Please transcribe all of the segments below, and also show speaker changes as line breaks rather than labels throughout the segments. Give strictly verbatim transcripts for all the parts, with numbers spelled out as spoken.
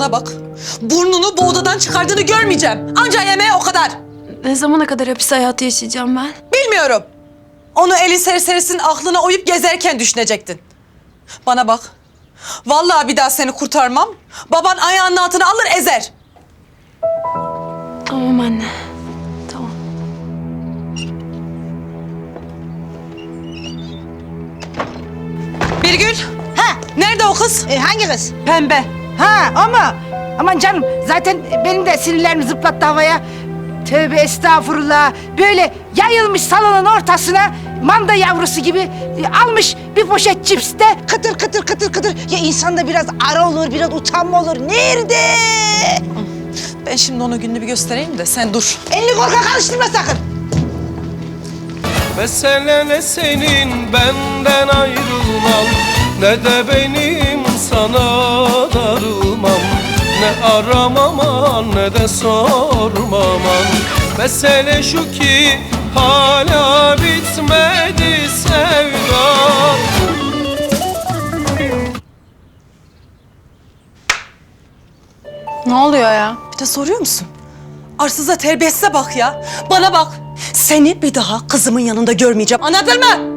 Bana bak. Burnunu bu odadan çıkardığını görmeyeceğim. Anca yemeğe o kadar.
Ne zamana kadar hapis hayatı yaşayacağım ben?
Bilmiyorum. Onu eli serserisinin aklına oyup gezerken düşünecektin. Bana bak. Vallahi bir daha seni kurtarmam. Baban ayağının altına alır ezer.
Tamam anne. Tamam.
Birgül.
Ha,
Nerede o kız?
e, hangi kız?
Pembe.
Ha, ama aman canım zaten benim de sinirlerimi zıplattı havaya. Tövbe estağfurullah. Böyle yayılmış salonun ortasına manda yavrusu gibi e, almış bir poşet cips de kıtır kıtır kıtır kıtır. Ya insanda biraz ara olur, biraz utanma olur. Nerede?
Ben şimdi ona gününü bir göstereyim de sen dur.
Elini korkak karıştırma sakın.
Mesele ne senin benden ayrılman, ne de benim sana darılmam. Ne aramaman ne de sormaman. Mesele şu ki hala bitmedi sevdam.
Ne oluyor ya?
Bir de soruyor musun? Arsıza terbiyesize bak ya. Bana bak. Seni bir daha kızımın yanında görmeyeceğim. Anladın mı?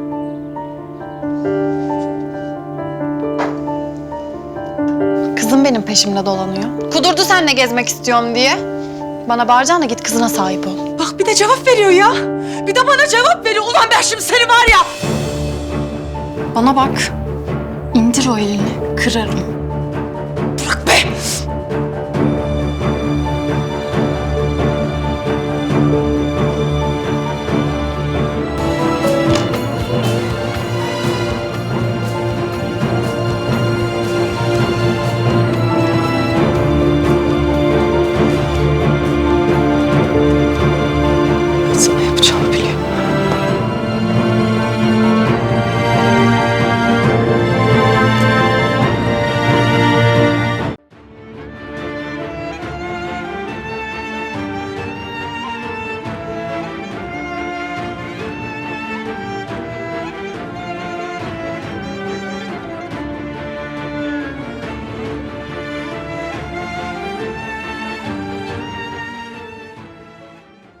Kızım benim peşimde dolanıyor. Kudurdu seninle gezmek istiyorum diye. Bana bağıracağına git kızına sahip ol.
Bak bir de cevap veriyor ya. Bir de bana cevap veriyor. Ulan ben şimdi seni var ya.
Bana bak. İndir o elini. Kırarım.